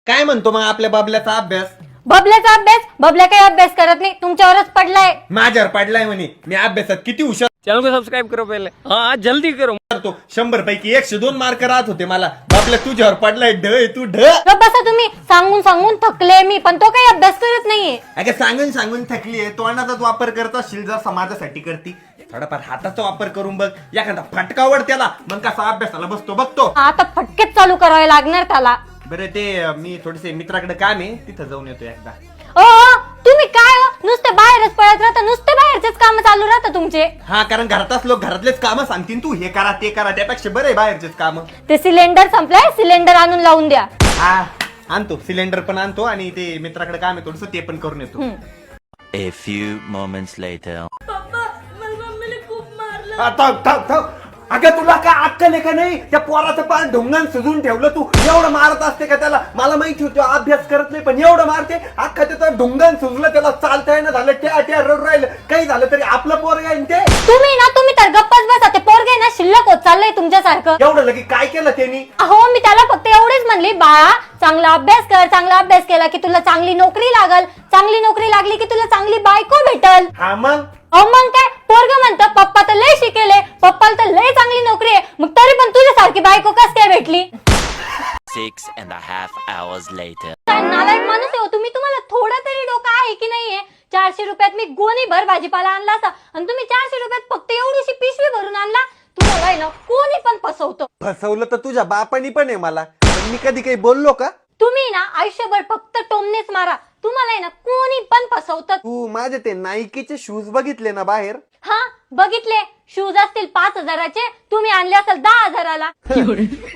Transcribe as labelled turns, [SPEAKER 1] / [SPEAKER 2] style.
[SPEAKER 1] काय म्हणतो मग आपल्या बाबल्याचा अभ्यास?
[SPEAKER 2] बबल्याचा अभ्यास? बबल्या काही अभ्यास करत नाही, तुमच्यावरच पडलाय.
[SPEAKER 1] माझ्यावर पडलाय म्हणे. मी अभ्यासात किती हुशार
[SPEAKER 3] चैनल को सब्सक्राइब करो पहले, हाँ जल्दी करो.
[SPEAKER 1] करतो. 100 पैकी 102 मार्क राहत होते मला. बाबल्या तुझ्यावर पडलाय ढ तू ढ.
[SPEAKER 2] गप्प बसा तुम्ही. सांगून सांगून थकले मी, पण तो काही अभ्यास करत नाहीये.
[SPEAKER 1] अगं सांगून सांगून थकली आहे. तोंडाचाच वापर करत असशील जर समाजासाठी करती. थोडाफार हाताचा वापर करून बघ. एखादा फटकावर त्याला मग कसा अभ्यासाला बसतो बघतो.
[SPEAKER 2] आता फटकेच चालू करावे लागणार त्याला.
[SPEAKER 1] बरं ते मी थोडेसे मित्राकडे काम आहे, तिथं जाऊन येतो एकदा.
[SPEAKER 2] ओ तुम्ही काय हो? नुसते बाहेरच पळत राहता, नुसते बाहेरचेच काम चालू राहता तुमचे.
[SPEAKER 1] हा, कारण घरातच लोक घरातलेच कामं सांगतील. तू हे करा ते करा, त्यापेक्षा बरं आहे बाहेरचेच काम.
[SPEAKER 2] ते सिलेंडर संपलाय, सिलेंडर आणून लावून द्या.
[SPEAKER 1] हा आणतो, सिलेंडर पण आणतो आणि ते मित्राकडे काम आहे थोडस, ते पण करून येतो.
[SPEAKER 4] A few moments later.
[SPEAKER 1] अगं तुला काय अक्कल आहे का नाही? त्या पोराचं पार ढोंगान सजून ठेवलं तू. एवढं मारत असते का त्याला? मला माहिती होतं अभ्यास करत नाही, पण एवढं मारते. अख्खा त्याचं ढोंगान सुजलं, त्याला चालता येणं झालं, त्या रड राहिलं. काही झालं तरी आपलं पोरग आहे ते.
[SPEAKER 2] तुम्ही तर गप्पच बसा. ते पोरगे ना शिल्लक होत चाललंय तुमच्यासारखं.
[SPEAKER 1] एवढं लगे काय केलं त्यांनी?
[SPEAKER 2] अहो मी त्याला फक्त एवढेच म्हणली, बाळा चांगला अभ्यास कर, चांगला अभ्यास केला की तुला चांगली नोकरी लागल, चांगली नोकरी लागली की तुला चांगली बायको भेटल.
[SPEAKER 1] हा मग
[SPEAKER 2] अहो मग काय पोरग म्हणतं पप्पा तर लय शिकेले, पप्पाला तर लय चांगली नोकरी आहे, मग तरी पण तुझ्यासारखी बायको कस काय भेटली?
[SPEAKER 4] 6.5 hours later.
[SPEAKER 2] काय नालायक माणूस आहे हो तुम्ही. तुम्हाला थोडा तरी डोकं आहे की नाहीये? 400 रुपयात मी गोणी भर भाजीपाला आणला असता आणि तुम्ही 400 रुपयात फक्त एवढीशी पिशवी भरून आणला. तुम्हाला आहे ना कोणी पण फसवतो.
[SPEAKER 1] फसवलं तर तुझ्या बापानी पण आहे मला. पण मी कधी काही बोललो का?
[SPEAKER 2] तुम्ही ना आयुष्यभर फक्त टोमनेच मारा. तुम्हाला आहे ना कोणी पण फसवतं.
[SPEAKER 1] तू माझे ते नाईकीचे शूज बघितले ना बाहेर?
[SPEAKER 2] हा बघितले. शूज असतील 5,000चे, तुम्ही आणले असेल 10,000ला.